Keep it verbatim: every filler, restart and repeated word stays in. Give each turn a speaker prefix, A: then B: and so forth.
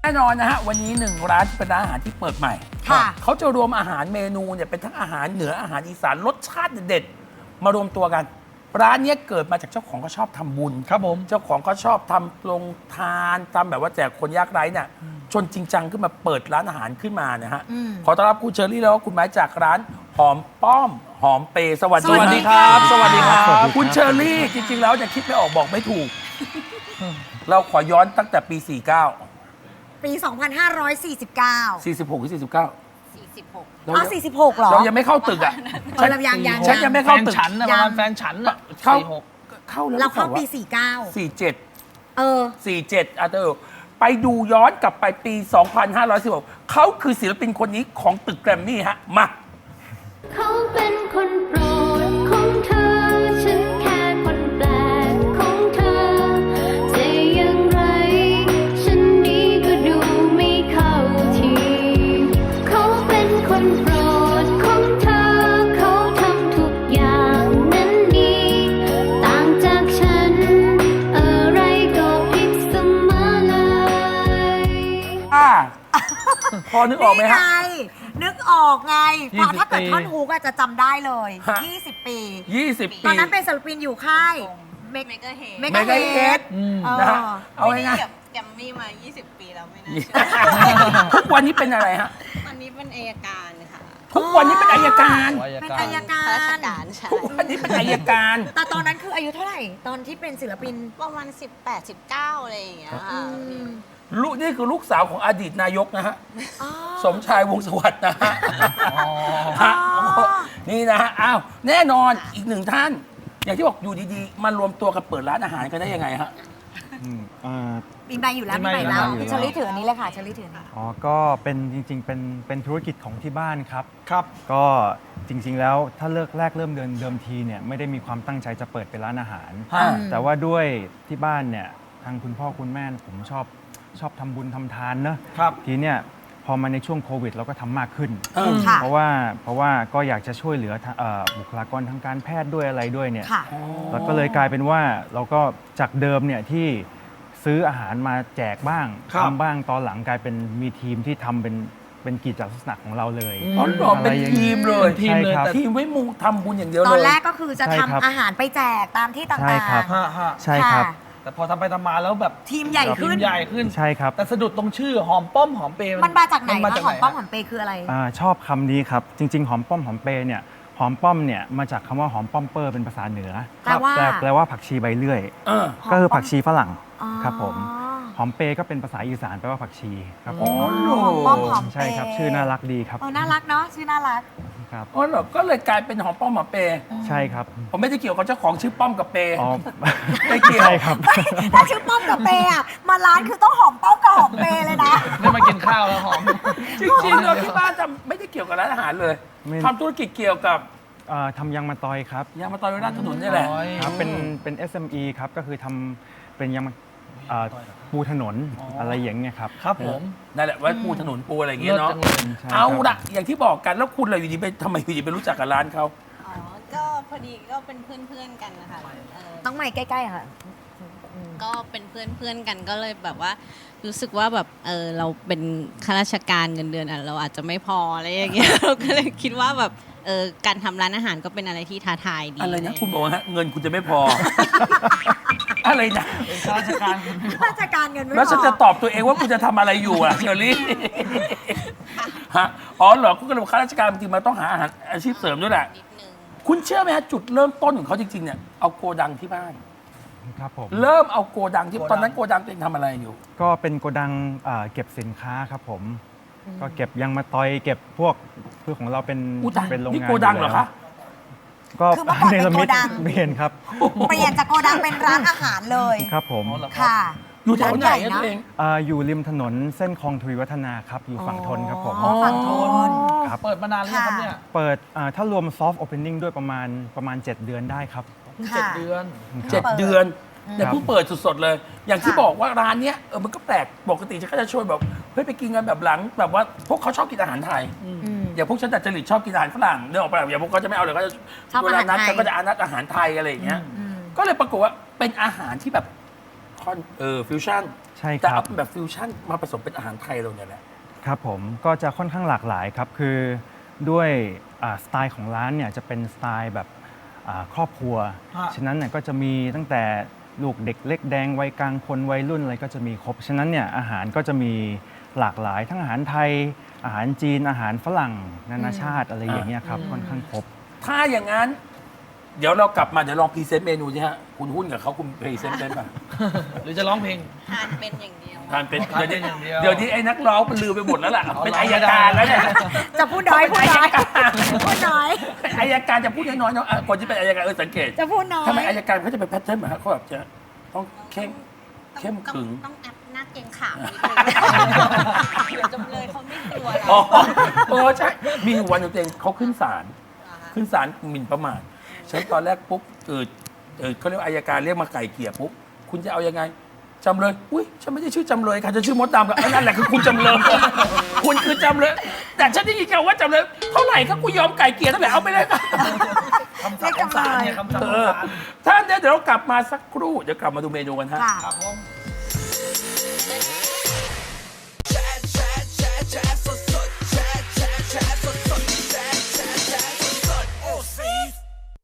A: แน่นอนนะฮะวันนี้หนึ่งร้านที่เป็นร้านอาหารที่เปิดใหม่ค่ะเขาจะรวมอาหารเมนูเนี่ยเป็นทั้งอาหารเหนืออาหารอีสานรสชาติเด็ดๆมารวมตัวกัน ร้านนี้เกิดมาจากเจ้าของเขาชอบทำบุญ
B: ครับผม
A: เจ้าของเขาชอบทำลงทานทำแบบว่าแจกคนยากไร้เนี่ยจนจริงจังขึ้นมาเปิดร้านอาหารขึ้นมานะฮะขอต้อนรับคุณเชอรี่แล้วก็คุณไม้จากร้านหอมป้อมหอมเปสวัสดี
B: ครับสวัสดีครับ
A: คุณเชอรี่จริงๆแล้วจะคิดไม่ออกบอกไม่ถูกเราขอย้อนตั้งแต่ปีสี่สิบเก้า
C: ปี สองพันห้าร้อยสี่สิบเก้า
A: สี่สิบหกหรือสี่สิบเก้า
C: สี่สิบหกอ๋อสี่สิบหกเหรอ
A: เรายังไม่เข้าตึกอ่ะ
C: ฉันยังยัง
A: ฉันยังไม่เข้าตึก
B: แฟนฉันนะประมาณแฟนฉันอะ
A: เข้าเข้าแล้ว
C: เราเข้าปีสี่สิบเก้า
A: สี่สิบเจ็ด
C: เออ
A: สี่สิบเจ็ดอ่ะเธอไปดูย้อนกลับไปปี สองพันห้าร้อยสิบหกเขาคือศิลปินคนนี้ของตึกแกรมมี่ฮะมา
D: เขาเป็นคนโปรดของเธอฉันแค่คนแปลกของเธอจะอย่างไรฉันนี้ก็ดูไม่เข้าทีเขาเป็นคนโปรดของเธอเขาทำทุกอย่างนั้นดีต่างจากฉันอะไรก็ผิดเสมอเลย
A: อ่าพอนึกออกไหมฮะ
C: นึกออกไงพอถ้าเกิดท่อนฮุกอะจะจำได้เลยยี่สิบปี
A: ยี่สิบปี
C: ตอนนั้นเป็นศิลปินอยู่ค่าย
E: เมกะเฮด
C: เมกะเฮด
A: นะฮะเอาไง
E: แกมมี่มายี่สิบปีแล้วไม่น่าเ
A: ชื่อทุกวันนี้เป็นอะไรฮะ
E: วันนี้เป็นอัยการค่ะ
A: ทุกวันนี้เป็นอัยการ
C: เป็นอัยการ
E: ราชการใช่
A: ทุกวันนี้เป็นอัยการ
C: แต่ตอนนั้นคืออายุเท่าไหร่ตอนที่เป็นศิลปิน
E: ประมาณสิบแปด สิบเก้าอะไรอย่างเงี้ยค่ะ
A: ลูกนี่คือลูกสาวของอดีตนายกนะฮะสมชายวงศ์สวัสดิ์นะฮะนี่นะฮะอ้าวแน่นอนอีกหนึ่งท่าน อย่างที่บอกอยู่ดีๆมารวมตัวกันเปิดร้านอาหารกันได้ยังไงฮะ
C: มีใบอยู่แล้วมีใบแล้วคุณเชอรี่ถืออันนี้เลยค่ะเชอรี่ถืออันนี้
F: อ๋อก็เป็นจริงๆเป็นเป็นธุรกิจของที่บ้านครับ
B: ครับ
F: ก็จริงๆแล้วถ้าเลิกแรกเริ่มเดินเดิมทีเนี่ยไม่ได้มีความตั้งใจจะเปิดเป็นร้านอาหาร แต่ว่าด้วยที่บ้านเนี่ยทางคุณพ่อคุณแม่ผมชอบชอบทำบุญทำทานเนอะทีเนี่ยพอมาในช่วงโควิดเราก็ทำมากขึ้น เพราะว่าเพราะว่าก็อยากจะช่วยเหลือบุคลากรทางการแพทย์ด้วยอะไรด้วยเนี่ยแล้วก็เลยกลายเป็นว่าเราก็จากเดิมเนี่ยที่ซื้ออาหารมาแจกบ้างทำบ้างตอนหลังกลายเป็นมีทีมที่ทำเป็นเป็นกิจลักษณะของเราเลย
A: อ๋อเหรอเป็นทีมเลย
F: ทีมเลย
A: ทีมไว้มูทำบุญอย่างเดียวเลย
C: ตอนแรกก็คือจะทำอาหารไปแจกตามที่ต่างๆใช่
F: ครับใช่ครับ
B: แต่พอทำไปทำมาแล้วแบบ
C: ทีมใหญ่ขึ้น
B: ทีมใหญ่ขึ้น
F: ใช่ครับ
B: แต่สะดุดตรงชื่อหอมป้อมหอมเปย์
C: มันมาจากไหนคะหอมป้อมหอมเปย์คืออะไร
F: อ่าชอบคำนี้ครับจริงๆหอมป้อมหอมเปย์เนี่ยหอมป้อมเนี่ยมาจากคำว่าหอมป้อมเปอร์เป็นภาษาเหนือ
C: แปลว่า
F: แปลว่าผักชีใบเลื่อยก็คือผักชีฝรั่งครับผมหอมเปย์ก็เป็นภาษาอีสานแปลว่าผักชีครับผม
C: หอมป้อมหอมเปย์
F: ใช่ครับชื่อน่ารักดีครับ
C: น่ารักเนาะชื่อน่ารัก
F: ครับ
A: อ๋อเหรอก็เลยกลายเป็นหอมป้อมหอมเปย์
F: ใช่ครับ
A: ผมไม่ได้เกี่ยวกับเจ้าของชื่อป้อมกับเปย์
F: อ๋อ
A: ไม่เกี่ยว
F: ใช่ครับ
C: ถ้าชื่อป้อมกับเปย์อะมาร้านคือต้องหอมป้อมกับหอมเปย์เลยนะ
B: ได้มากินข้าวแล้วหอม
A: จริงๆเราที่บ้านทำไม่ได้เกี่ยวกับร้านอาหารเลยทำธุรกิจเกี่ยวกับ
F: ทำยางมะตอยครับ
A: ยางมะตอยร้านถนนนี่แหละ
F: ครับเป็นเป็น เอส เอ็ม อี ครับก็คือทำเป็นยางปูถนนอะไรอย่างเงี้ยครับ
B: ครับผม
A: นั่นแหละไว้ปูถนนปูอะไรอย่างเงี้ยเนาะเอาละอย่างที่บอกกันแล้วคุณอะไรอยู่ดีไปทำไมอยู่ดีไปรู้จักกับร้านเขา
E: อ๋อก็พอดีก็เป็นเพื่อนๆกันนะคะ
C: ต้องมาใกล้ๆค่ะ
E: ก็เป็นเพื่อนๆกันก็เลยแบบว่ารู้สึกว่าแบบเออเราเป็นข้าราชการเงินเดือนอ่ะเราอาจจะไม่พออะไรอย่างเงี้ยเราก็เลยคิดว่าแบบเออการทำร้านอาหารก็เป็นอะไรที่ท้าทายดี
A: อะไรนะคุณบอกว่าเงินคุณจะไม่พออะไรนะ
B: ข้าราชการ
C: ข้าราชการเงินไม่พอ
A: แล้วฉันจะตอบตัวเองว่าคุณจะทำอะไรอยู่อ่ะเชอรี่ฮะอ๋อเหรอคุณก็เลยข้าราชการบางทีมันต้องหาอาหารอาชีพเสริมด้วยแหละคุณเชื่อไหมฮะจุดเริ่มต้นของเขาจริงๆเนี่ยเอาโกดังที่บ้าน
F: ครับผม
A: เริ่มเอาโกดังที่ตอนนั้นโกดังตัวเองทำอะไรอยู่
F: ก็เป็นโกดังเก็บสินค้าครับผมก็เก็บยางมะตอยเก็บพวกเพื่อของเราเป็น
A: เป็นโรงงานนี่โกดังเหรอคะ
F: ก็ในละมิดเปลี่ยนครับ
C: เปลี่ยนจากโกดังเป็นร้านอาหารเลย
F: ครับผม
C: ค่ะ
A: อยู่แถวไหนตัวเอง
F: อยู่ริมถนนเส้นคลองทวีวัฒนาครับอยู่ฝั่งทนครับผม
C: ฝั่งทน
F: ครับ
B: เปิดมานานแล้วครับเนี่ย
F: เปิดถ้ารวมซอฟต์โอเพนนิ่งด้วยประมาณประมาณเจ็ดเดือนได้ครับ
B: เจ็ดเดือน
A: เจ็ดเดือนแต่เพิ่งเปิดสดๆเลยอย่างที่บอกว่าร้านเนี้ยเออมันก็แปลกปกติฉันก็จะชวนแบบเฮ้ยไปกินกันแบบหลังแบบว่าพวกเขาชอบกินอาหารไทยอย่างพวกฉันแต่จริตชอบกินอาหารฝรั่งเดินออกไปแบบอย่างพวกเขาจะไม่เอาเลยก็จะเวลานัดฉันก็จะอานัดอาหารไทยอะไรอย่างเงี้ยก็เลยปรากฏว่าเป็นอาหารที่แบบท่อนเออฟิวชั่น
F: ใช่ครับ
A: แต่เอาเป็นแบบฟิวชั่นมาผสมเป็นอาหารไทยเราเนี่ยแหละ
F: ครับผมก็จะค่อนข้างหลากหลายครับ คือด้วยอ่าสไตล์ของร้านเนี่ยจะเป็นสไตล์แบบอ่าครอบครัว
B: ฮะ
F: ฉะนั้นเนี่ยก็จะมีตั้งแต่ลูกเด็กเล็กแดงวัยกลางคนวัยรุ่นอะไรก็จะมีครบ ฉะนั้นเนี่ยอาหารก็จะมีหลากหลายทั้งอาหารไทย อาหารจีนอาหารฝรั่งนานาชาติอะไรอย่างเงี้ยครับค่อนข้างครบ
A: ถ้าอย่างนั้น เดี๋ยวเรากลับมาเดี๋ยวลองพรีเซนต์เมนูสิฮะคุณหุ้นกับเขาคุณพรีเซนต์เป็นป่ะ
B: หรือจะร้องเพลง
E: ทานเป็นอย่างเดียว
A: ทานเป็น
B: ทาน
A: เดี๋ยว
B: เป็น
A: นี้
B: อย่างเดียว
A: เดี๋ยวนี้ไอ้นักร้องมันลืมไปหมดแล้วล่ะ
B: เอา
A: เป็น
B: ร้อง
A: อาย
B: ไม่ได้
A: การแล้วเนี่ย
C: จะพูดน้อยพูดน้อยพูดน้อย
A: เป็นอายการจะพูดน้อยๆเนาะอ่ะคนที่เป็นอายการเออสังเกต
C: จะพูดน้อย
A: ทำไมอายการเขาจะเป็นแพทเทิร์นเหรอฮะเขาแบบจะต้องเข้มเข้มขึง
E: ต้องแอปหน้าเกรงขามนิดนึงเดี๋ยวจำเลยเขาไม่กลัวเรา
A: อ๋อเออใช่ มีอยู่วันหนึงตัวเองเขาขึ้นศาล ขึ้นศาลหมิ่นประมาทฉันตอนแรกปุ๊บเออเออเขาเรียกว่าอายการเรียกมาไก่เกลี่ยปุ๊บ คุณจะเอายังไงจำเลย อุ้ยฉันไม่ได้ชื่อจำเลยค่ะฉันชื่อมดดำกับนั่นแหละคือคุณจำเลย คุณคือจำเลย แต่ฉันได้ยินคำว่าจำเลย เท่าไหร่ครับกูยอมไก่เกลี่ยเท่าไหร่เอาไปเลยค่ะ
B: คำสั่งของศาลเนี่ยคำสั่ง
A: เอ
B: ของ
A: อ
B: ศาล
A: ท่านเดี๋ยวเรากลับมาสักครู่ เดี๋ยวกลับมาดูเมนูกันฮะ
C: ค่ะ
B: ครับผม